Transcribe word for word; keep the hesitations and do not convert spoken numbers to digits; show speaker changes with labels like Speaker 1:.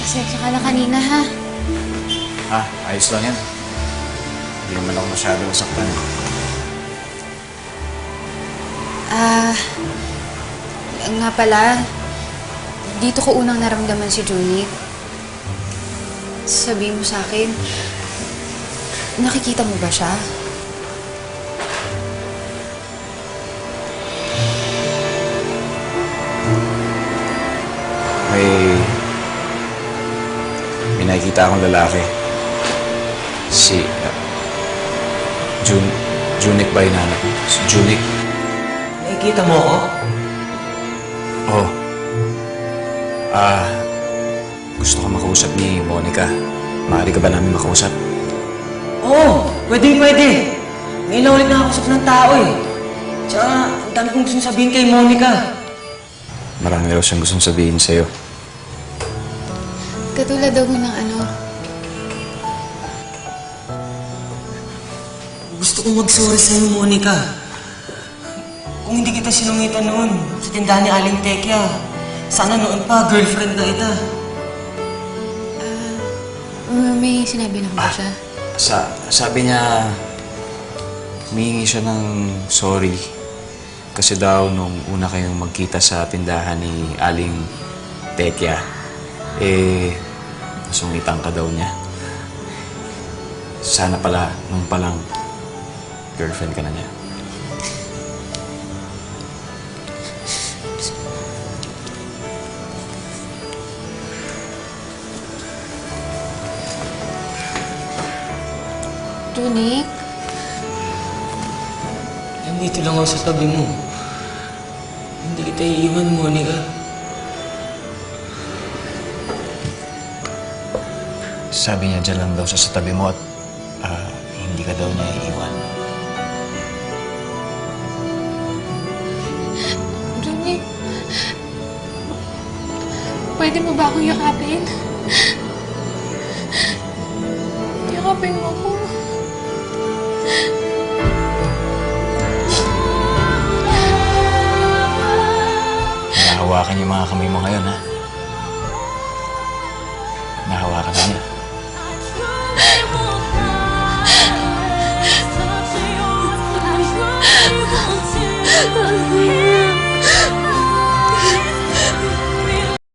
Speaker 1: Pasensya ka na kanina, ha?
Speaker 2: Ah, ayos lang yan. Hindi naman ako masyado nasaktan.
Speaker 1: Ah, nga pala, dito ko unang naramdaman si Junie. Sabihin mo sa akin, nakikita mo ba siya?
Speaker 2: May... May nakikita akong lalaki. Si... Uh, Jun... Junik ba yung anak? Si Junik.
Speaker 3: Nakikita mo ako?
Speaker 2: Oo. Oh. Ah... Gusto ko makausap ni Monica. Maaari ka ba namin makausap?
Speaker 3: Oo, pwedeng pwede. Ngayon na ulit nakakausap ng tao eh. Tsaka, ang dami kong gusto sabihin kay Monica.
Speaker 2: Marami raw siyang gustong sabihin sa'yo.
Speaker 1: Katulad daw ng ano.
Speaker 3: Gusto kong mag-sorry sa'yo, Monica. Kung hindi kita sinungitan noon sa tindahan ni Aling Tekya, sana noon pa, girlfriend na ita.
Speaker 1: Uh, may sinabi na ba siya?
Speaker 2: Sa, sabi niya, humihingi siya ng sorry. Kasi daw, nung una kayong magkita sa tindahan ni Aling Tekya, eh, nasungitan ka daw niya. Sana pala, nung palang, girlfriend ka na niya.
Speaker 1: Junik?
Speaker 3: Nandito lang ako sa tabi mo. Hindi kita iiwan, Monica.
Speaker 2: Sabi niya dyan lang daw siya sa tabi mo at uh, hindi ka daw niya iiwan.
Speaker 1: Junik? Pwede mo ba akong yakapin? Yakapin mo ako.
Speaker 2: Nahawakan yung mga kamay mo ngayon, ha? Nahawakan na niya.
Speaker 1: Ah!